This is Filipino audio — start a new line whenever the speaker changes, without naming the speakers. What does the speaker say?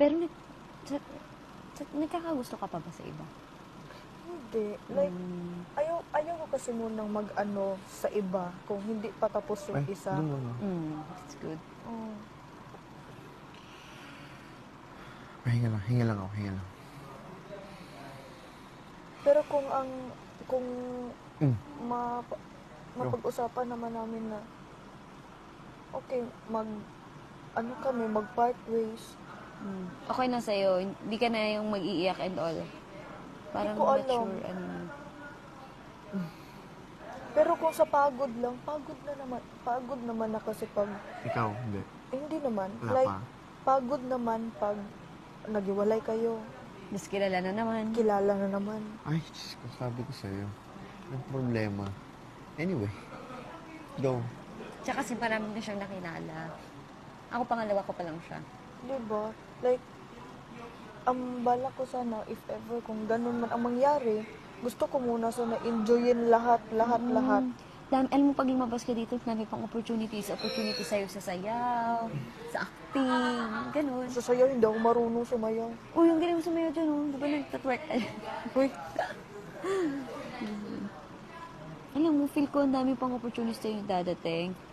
Pero nagkakagusto ka pa ba sa iba?
Hindi. Like, ayaw ko kasi munang mag-ano sa iba kung hindi pa tapos yung isa.
Doon muna.
That's good.
Oh.
Hinga lang ako, hinga lang.
Pero kung
Mm.
mapag-usapan naman namin na okay, mag-part ways.
Okay na sa'yo. Hindi ka na yung mag-iiyak and all. Parang
ko alam.
mature, ano.
Pero kung sa pagod lang, pagod naman na kasi pag,
Ikaw, hindi.
hindi naman.
Wala
Like,
pa.
pagod naman pag nagiwalay kayo,
Mas kilala na naman.
kilala na naman.
Ay, Diyos ko, sabi ko sa'yo. Ang problema. Anyway, go.
Tsaka kasi marami na siyang nakilala. Ako pangalawa ko pa lang siya.
Diba? Like, ang bala ko sana, if ever, kung ganun man ang mangyari, gusto ko muna sana enjoyin lahat.
Alam mo, pag lumabas ka dito, dami pang opportunities sa'yo sa sayaw, sa acting, ganun.
So sa'yo, hindi ako marunong sumayaw.
Uy, yung galing mo sumayaw dyan, oh. Di ba nagtatwerk?
Uy,
Alam mo, feel ko ang dami pang opportunities sa'yo dadating.